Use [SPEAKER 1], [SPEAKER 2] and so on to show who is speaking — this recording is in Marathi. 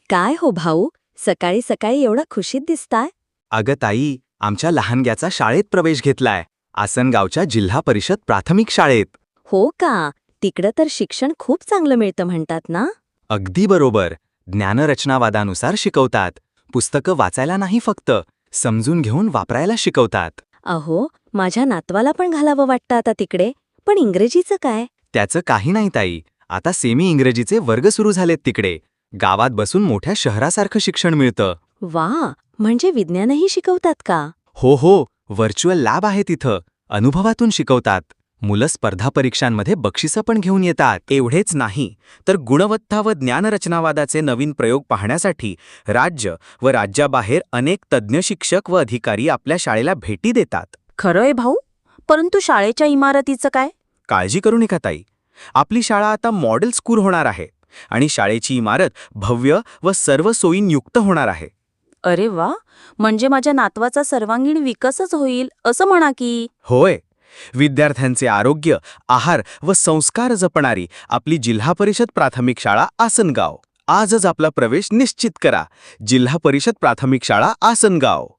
[SPEAKER 1] काय हो भाऊ, सकाळी सकाळी एवढा खुशीत दिसताय?
[SPEAKER 2] अगं ताई, आमच्या लहानग्याचा शाळेत प्रवेश घेतलाय. आसनगावच्या जिल्हा परिषद प्राथमिक शाळेत.
[SPEAKER 1] हो का? तिकडं तर शिक्षण खूप चांगलं मिळतं म्हणतात ना?
[SPEAKER 2] अगदी बरोबर. ज्ञानरचनावादानुसार शिकवतात. पुस्तकं वाचायला नाही फक्त, समजून घेऊन वापरायला शिकवतात.
[SPEAKER 1] अहो, माझ्या नातवाला पण घालावं वाटतं आता तिकडे. पण इंग्रजीचं काय?
[SPEAKER 2] त्याचं काही नाही ताई. आता सेमी इंग्रजीचे वर्ग सुरू झालेत तिकडे. गावात बसून मोठ्या शहरासारखं शिक्षण मिळतं.
[SPEAKER 1] वा, म्हणजे विज्ञानही शिकवतात का?
[SPEAKER 2] हो, व्हर्च्युअल लॅब आहे तिथं. अनुभवातून शिकवतात. मुलं स्पर्धा परीक्षांमध्ये बक्षिसं पण घेऊन येतात. एवढेच नाही, तर गुणवत्ता व ज्ञानरचनावादाचे नवीन प्रयोग पाहण्यासाठी राज्य व राज्याबाहेर अनेक तज्ज्ञ शिक्षक व अधिकारी आपल्या शाळेला भेटी देतात.
[SPEAKER 3] खरंय भाऊ, परंतु शाळेच्या इमारतीचं काय?
[SPEAKER 2] काळजी करू नका ताई. आपली शाळा आता मॉडेल स्कूल होणार आहे आणि शाळेची इमारत भव्य व सर्व सोयींयुक्त होणार आहे.
[SPEAKER 3] अरे वा, म्हणजे माझ्या नातवाचा सर्वांगीण विकासच होईल असं म्हणा की.
[SPEAKER 2] होय, विद्यार्थ्यांचे आरोग्य, आहार व संस्कार जपणारी आपली जिल्हा परिषद प्राथमिक शाळा आसनगाव. आजच आपला प्रवेश निश्चित करा. जिल्हा परिषद प्राथमिक शाळा आसनगाव.